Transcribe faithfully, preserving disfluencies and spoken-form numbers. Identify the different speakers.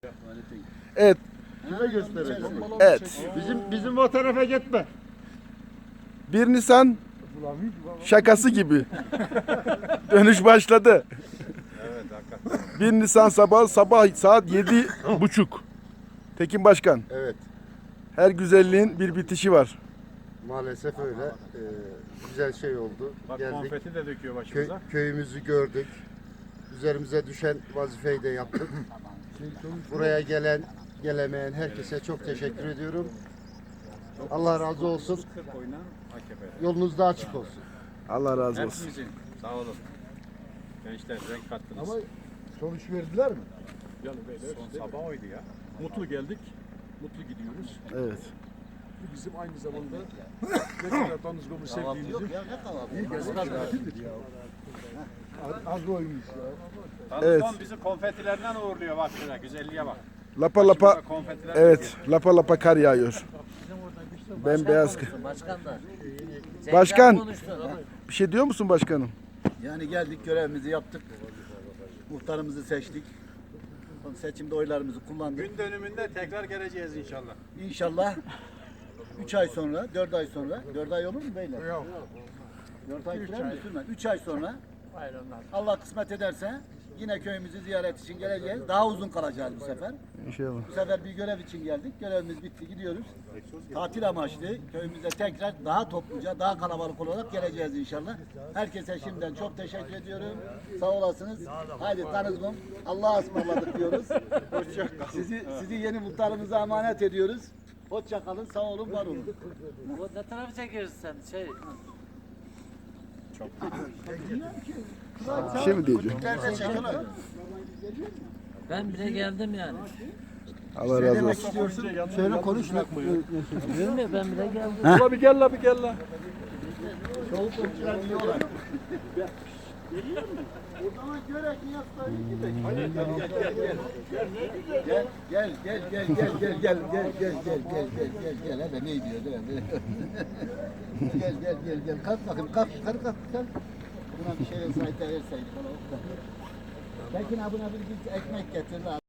Speaker 1: Evet.
Speaker 2: Kime gösterelim?
Speaker 1: Evet.
Speaker 2: Bizim bizim o tarafa gitme.
Speaker 1: bir Nisan şakası gibi. Dönüş başladı.
Speaker 3: Evet hakikaten.
Speaker 1: bir Nisan sabah sabah saat yedi buçuk. Tekin Başkan,
Speaker 2: Evet.
Speaker 1: her güzelliğin bir bitişi var.
Speaker 2: Maalesef öyle. Ee, güzel şey oldu.
Speaker 3: Bak
Speaker 2: Geldik.
Speaker 3: konfeti de döküyor
Speaker 2: Kö-
Speaker 3: başımıza.
Speaker 2: köyümüzü gördük. Üzerimize düşen vazifeyi de yaptık. Buraya gelen, gelemeyen herkese çok teşekkür ediyorum. Allah razı olsun.
Speaker 3: kırk oynan A K P.
Speaker 2: Yolunuz da açık olsun.
Speaker 1: Allah razı olsun.
Speaker 3: Hepimizin. Sağ olun. Gençler renk kattınız.
Speaker 4: Ama sonuç verdiler mi?
Speaker 3: Yani böyle son sabah oydu ya.
Speaker 4: Mutlu geldik, mutlu gidiyoruz.
Speaker 1: Evet.
Speaker 4: Bu bizim aynı zamanda ne kadar tanızgımı sevdiğimizi iyi göstermektedir. Az oymuş ya.
Speaker 1: Evet.
Speaker 3: Tanışman bizi konfetilerden uğurluyor bak şuna güzelliğe bak.
Speaker 1: Lapa lapa.
Speaker 3: Başımıza konfetiler
Speaker 1: Evet. Lapa lapa kar yağıyor. Bembeyaz.
Speaker 5: Başkan da.
Speaker 1: Başkan.
Speaker 5: Konuştu.
Speaker 1: Bir şey diyor musun başkanım?
Speaker 6: Yani geldik, görevimizi yaptık. Muhtarımızı seçtik. Seçimde oylarımızı kullandık.
Speaker 3: Gün dönümünde tekrar geleceğiz inşallah.
Speaker 6: İnşallah üç ay sonra, dört ay sonra, dört ay olur mu beyler? Yok. dört ay sürer mi? Sürmez. üç ay sonra Allah kısmet ederse yine köyümüzü ziyaret için geleceğiz. Daha uzun kalacağız bu sefer.
Speaker 1: İnşallah.
Speaker 6: Bu sefer bir görev için geldik. Görevimiz bitti, gidiyoruz. Tatil amaçlı köyümüze tekrar daha topluca, daha kalabalık olarak geleceğiz inşallah. Herkese şimdiden çok teşekkür ediyorum. Sağ olasınız. Haydi tanızmam. Allah'a ısmarladık diyoruz. Sizi sizi yeni muhtarımıza emanet ediyoruz. Hoşça kalın, sağ olun, var olun.
Speaker 5: O ne tarafı çekiyorsun sen? Şey.
Speaker 1: Bir şey mi diyeceğim?
Speaker 5: Ben bile geldim yani.
Speaker 1: Allah razı olsun.
Speaker 4: Söyle konuş.
Speaker 5: Diyorum ya ben bile geldim.
Speaker 4: La bir gel la bir gel la.
Speaker 6: Gel gel gel gel gel gel gel gel gel gel gel gel gel gel hele ne diyor değil mi? Gel gel gel gel kalk bakayım kalk yukarı kalk kalk. Buna bir şey verseydi verseydi. Tekin abına bir ekmek getir.